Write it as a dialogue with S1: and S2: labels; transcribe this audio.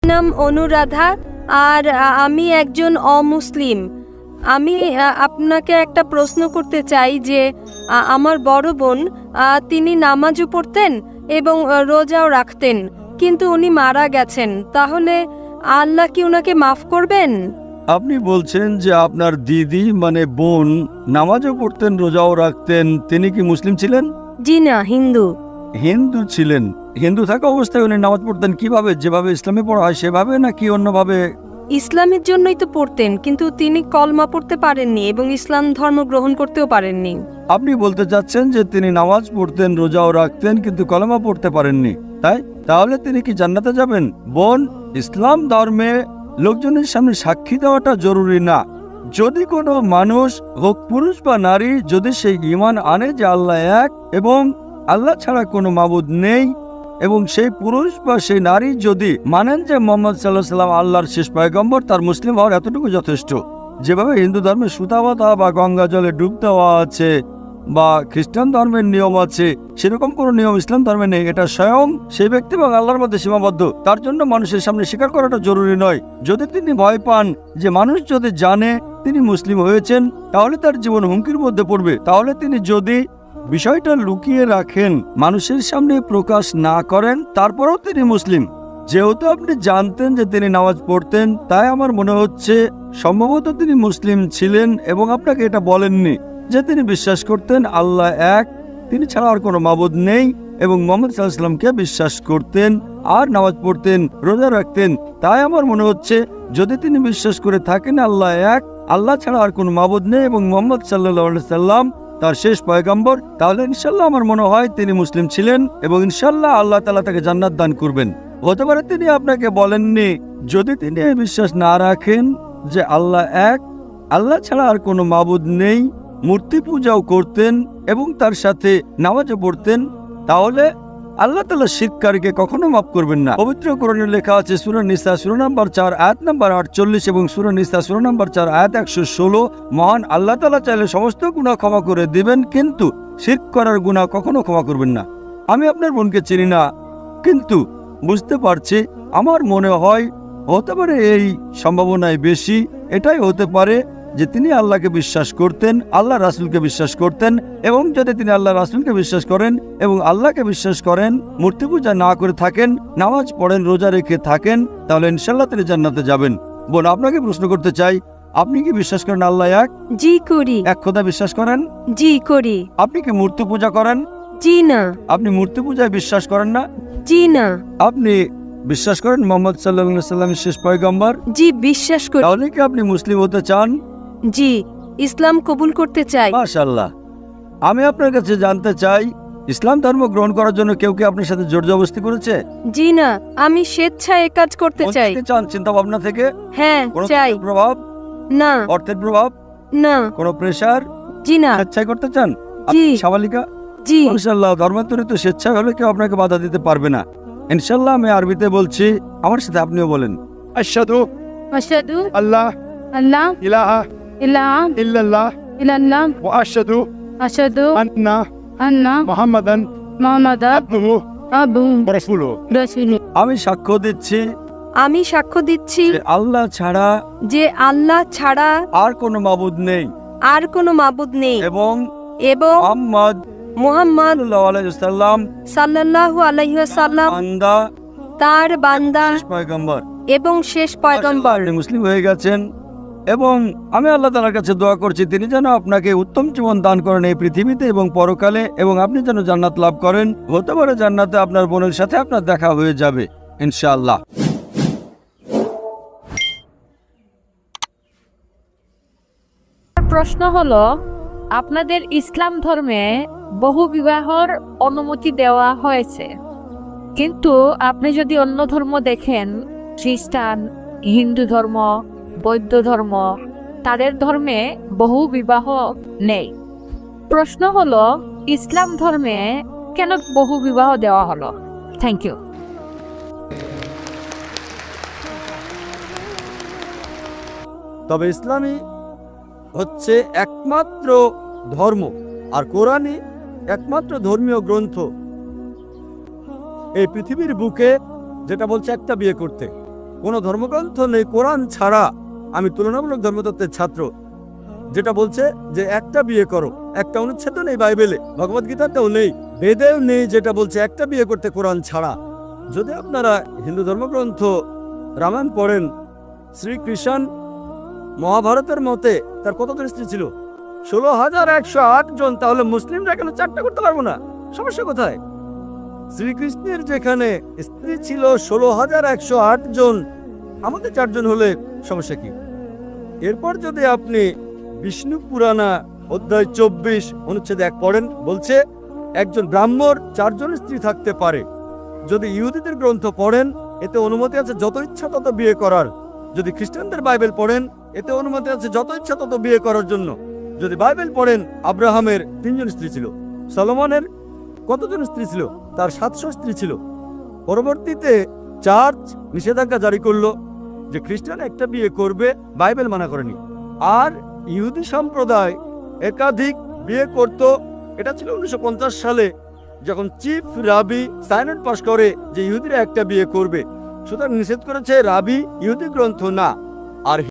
S1: নাম অনুরাধা, আর আমি একজন অমুসলিম। আমি আপনাকে একটা প্রশ্ন করতে চাই যে আমার বড় বোন, তিনি নামাজও পড়তেন এবং রোজাও রাখতেন, কিন্তু উনি মারা গেছেন। তাহলে আল্লাহ কি ওনাকে মাফ করবেন?
S2: আপনি বলছেন যে আপনার দিদি মানে বোন নামাজও পড়তেন, রোজাও রাখতেন, তিনি কি মুসলিম ছিলেন?
S1: জি না, হিন্দু।
S2: হিন্দু ছিলেন। হিন্দু থাকা অবস্থায় উনি নামাজ পড়তেন কিভাবে? যেভাবে ইসলামে পড়া হয় সেভাবে, নাকি অন্যভাবে?
S1: ইসলামের জন্যই তো পড়তেন, কিন্তু তিনি কলমা পড়তে পারেননি এবং ইসলাম ধর্ম গ্রহণ করতেও পারেননি।
S2: আপনি বলতে চাচ্ছেন যে তিনি নামাজ পড়তেন, রোজাও রাখতেন, কিন্তু কলেমা পড়তে পারেননি, তাই? তাহলে তিনি কি জান্নাতে যাবেন? বোন, ইসলাম ধর্মে লোকজনের সামনে সাক্ষী দেওয়াটা জরুরি না। যদি কোনো মানুষ হোক পুরুষ বা নারী, যদি সেই ঈমান আনে যে আল্লাহ এক এবং আল্লাহ ছাড়া কোনো মাবুদ নেই, এবং সেই পুরুষ বা সেই নারী যদি মানেন যে মোহাম্মদ সাল্লাল্লাহু আলাইহি ওয়াসাল্লাম আল্লাহর শেষ পয়গম্বর, তার মুসলিম হওয়ার এতটুকু যথেষ্ট। যেভাবে হিন্দু ধর্মে সুতা বাঁধা বা গঙ্গা জলে ডুব দেওয়া আছে বা খ্রিস্টান ধর্মের নিয়ম আছে, সেরকম কোনো নিয়ম ইসলাম ধর্মে নেই। এটা স্বয়ং সেই ব্যক্তি এবং আল্লাহর মধ্যে সীমাবদ্ধ। তার জন্য মানুষের সামনে স্বীকার করাটা জরুরি নয়। যদি তিনি ভয় পান যে মানুষ যদি জানে তিনি মুসলিম হয়েছেন তাহলে তার জীবন হুমকির মধ্যে পড়বে, তাহলে তিনি যদি বিষয়টা লুকিয়ে রাখেন, মানুষের সামনে প্রকাশ না করেন, তারপরেও তিনি মুসলিম, যেহেতু আপনি জানতেন যে তিনি নামাজ পড়তেন, তাই আমার মনে হচ্ছে সম্ভবত তিনি মুসলিম ছিলেন এবং আপনাকে এটা বলেননি যে তিনি বিশ্বাস করতেন আল্লাহ এক, তিনি ছাড়া আর কোনো মাবুদ নেই, এবং মুহাম্মদ সাল্লাল্লাহু আলাইহি ওয়াসাল্লামকে বিশ্বাস করতেন আর নামাজ পড়তেন, রোজা রাখতেন। তাই আমার মনে হচ্ছে যদি তিনি বিশ্বাস করে থাকেন আল্লাহ এক, আল্লাহ ছাড়া আর কোনো মাবুদ নেই এবং মুহাম্মদ সাল্লাল্লাহু আলাইহি সাল্লাম তার শেষ পয়গম্বর, তাহলে ইনশাল্লাহ আমার মনে হয় তিনি মুসলিম ছিলেন এবং ইনশাল্লাহ আল্লাহ তাআলা তাকে জান্নাত দান করবেন। হতে পারে তিনি আপনাকে বলেননি। যদি তিনি এই বিশ্বাস না রাখেন যে আল্লাহ এক, আল্লাহ ছাড়া আর কোনো মাবুদ নেই, মূর্তি পূজাও করতেন এবং তার সাথে নামাজও পড়তেন, তাহলে আল্লাহ তাআলা শিরককারীকে কখনো মাফ করবেন না। পবিত্র কোরআনে লেখা আছে সূরা নিসা সূরা নম্বর 4 আয়াত নম্বর 48 এবং সূরা নিসা সূরা নম্বর 4 আয়াত 116, মহান আল্লাহ তাআলা চাইলে সমস্ত গুনাহ ক্ষমা করে দিবেন, কিন্তু শিরক করার গুনাহ কখনো ক্ষমা করবেন না। আমি আপনার বোনকে চিনি না, কিন্তু বুঝতে পারছি, আমার মনে হয় হতে পারে এই সম্ভাবনায় বেশি এটাই হতে পারে যে তিনি আল্লাহকে বিশ্বাস করতেন, আল্লাহ রাসূলকে বিশ্বাস করতেন, এবং যদি তিনি আল্লাহ রাসূলকে বিশ্বাস করেন এবং আল্লাহকে বিশ্বাস করেন, মূর্তি পূজা না করে থাকেন, নামাজ পড়েন, রোজা রেখে থাকেন, তাহলে ইনশাআল্লাহ তিনি জান্নাতে যাবেন। বোন, আপনাকে প্রশ্ন করতে চাই, আপনি কি বিশ্বাস করেন আল্লাহ এক?
S1: জি করি।
S2: এক খোদা বিশ্বাস করেন?
S1: জি করি।
S2: আপনি কি মূর্তি পূজা করেন?
S1: জি না।
S2: আপনি মূর্তি পূজায় বিশ্বাস করেন না?
S1: জি না।
S2: আপনি বিশ্বাস করেন মুহাম্মদ সাল্লাল্লাহু আলাইহি ওয়াসাল্লাম শেষ পয়গম্বর?
S1: জি বিশ্বাস করি।
S2: তাহলে কি আপনি মুসলিম হতে চান?
S1: জি, ইসলাম কবুল করতে চাই।
S2: মাশাআল্লাহ। আমি আপনার কাছে জানতে চাই, ইসলাম ধর্ম গ্রহণ করার জন্য কেউ কি আপনার সাথে জোর জবরদস্তি করেছে?
S1: জি না, আমি স্বেচ্ছায় কাজ করতে চাই।
S2: করতে চান চিন্তা ভাবনা থেকে?
S1: হ্যাঁ,
S2: কোনো
S1: চাই।
S2: প্রভাব?
S1: না।
S2: অর্থের প্রভাব?
S1: না।
S2: কোনো প্রেসার?
S1: জি না।
S2: স্বেচ্ছায় করতে চান?
S1: জি।
S2: সাবালিকা?
S1: জি।
S2: মাশাআল্লাহ, ধর্মান্তরিত স্বেচ্ছায় হলে কেউ আপনাকে বাধা দিতে পারবে না ইনশাআল্লাহ। আমি আরবিতে বলছি, আমার সাথে আপনিও বলেন।
S3: আশহাদু
S4: আশহাদু
S3: আল্লাহ
S4: আল্লাহ
S3: ইলাহা
S4: ইলাহা
S3: ইল্লাল্লাহ
S4: ইল্লাল্লাহ
S3: ওয়া আশহাদু
S4: আশহাদু
S3: আন্না
S4: আন্না
S3: মুহাম্মাদান
S4: মুহাম্মাদান
S3: আবদুহু
S4: আবদুহু
S3: ওয়া রাসূলুহু।
S4: রাসূলুহু।
S2: আমি সাক্ষ্য দিচ্ছি
S1: আমি সাক্ষ্য দিচ্ছি
S2: যে আল্লাহ ছাড়া
S1: যে আল্লাহ ছাড়া
S2: আর কোনো মাবুদ নেই
S1: আর কোনো মাবুদ নেই
S2: এবং
S1: এবং
S2: মুহাম্মদ
S1: মুহাম্মদ
S2: সাল্লাল্লাহু আলাইহি ওয়াসাল্লাম
S1: সাল্লাল্লাহু আলাইহি ওয়াসাল্লাম
S2: বান্দা,
S1: তার বান্দা
S2: শেষ পয়গম্বর।
S1: এবং শেষ পয়গম্বর।
S2: আপনি মুসলিম হয়ে গেছেন এবং আমি আল্লাহ তাআলার কাছে দোয়া করছি তিনি যেন আপনাকে উত্তম জীবন দান করেন এই পৃথিবীতে এবং পরকালে, এবং আপনি যেন জান্নাত লাভ করেন। হতে পারে জান্নাতে আপনার বোনের সাথে আপনার দেখা হয়ে যাবে ইনশাআল্লাহ।
S4: প্রশ্ন হলো, আপনাদের ইসলাম ধর্মে বহু বিবাহর অনুমতি দেওয়া হয়েছে, কিন্তু আপনি যদি অন্য ধর্ম দেখেন, খ্রিস্টান, হিন্দু ধর্ম, বৌদ্ধ ধর্ম, তাদের ধর্মে বহু বিবাহ নেই। প্রশ্ন হলো, ইসলাম ধর্মে কেন বহু বিবাহ দেওয়া হলো? Thank you.
S2: তবে ইসলামই হচ্ছে একমাত্র ধর্ম আর কোরআনই একমাত্র ধর্মীয় গ্রন্থ এই পৃথিবীর বুকে যেটা বলছে একটা বিয়ে করতে। কোনো ধর্মগ্রন্থ নেই কোরআন ছাড়া। আমি তুলনামূলক ধর্মতত্ত্বের ছাত্র, যেটা বলছে যে একটা বিয়ে করো। একটা অনুচ্ছেদ নেই বাইবেলে, ভগবদ্গীতাতেও নেই, বেদেও নেই, যেটা বলছে একটা বিয়ে করতে কোরআন ছাড়া। যদি আপনারা হিন্দু ধর্মগ্রন্থ রামায়ণ পড়েন, শ্রীকৃষ্ণ মহাভারতের মতে তার কতজন স্ত্রী ছিল? 16,108 জন। তাহলে মুসলিমরা কেন 4টা করতে পারবো না? সমস্যা কোথায়? শ্রীকৃষ্ণের যেখানে স্ত্রী ছিল 16,108 জন, আমাদের 4 জন হলে সমস্যা কি? এরপর যদি আপনি বিষ্ণু পুরাণা অধ্যায় 24 অনুচ্ছেদ 1 পড়েন, বলছে একজন ব্রাহ্মণ 4 জন স্ত্রী থাকতে পারে। যদি ইহুদিদের গ্রন্থ পড়েন, এতে অনুমতি আছে যত ইচ্ছা তত বিয়ে করার। যদি খ্রিস্টানদের বাইবেল পড়েন, এতে অনুমতি আছে যত ইচ্ছা তত বিয়ে করার জন্য। যদি বাইবেল পড়েন, আব্রাহামের 3 জন স্ত্রী ছিল। সলোমনের কতজন স্ত্রী ছিল? তার 700 স্ত্রী ছিল। পরবর্তীতে চার্চ নিষেধাজ্ঞা জারি করলো যে খ্রিস্টান একটা বিয়ে করবে, বাইবেল মানা করেনি। আর ইহুদি সম্প্রদায় একাধিক বিয়ে করত। এটা ছিল 1950 সালে, যখন চিফ রাবি সাইনেট পাস করে যে ইহুদিরা একটা বিয়ে করবে। সুতরাং নিষেধ করেছে রাবি, ইহুদি গ্রন্থ না। আর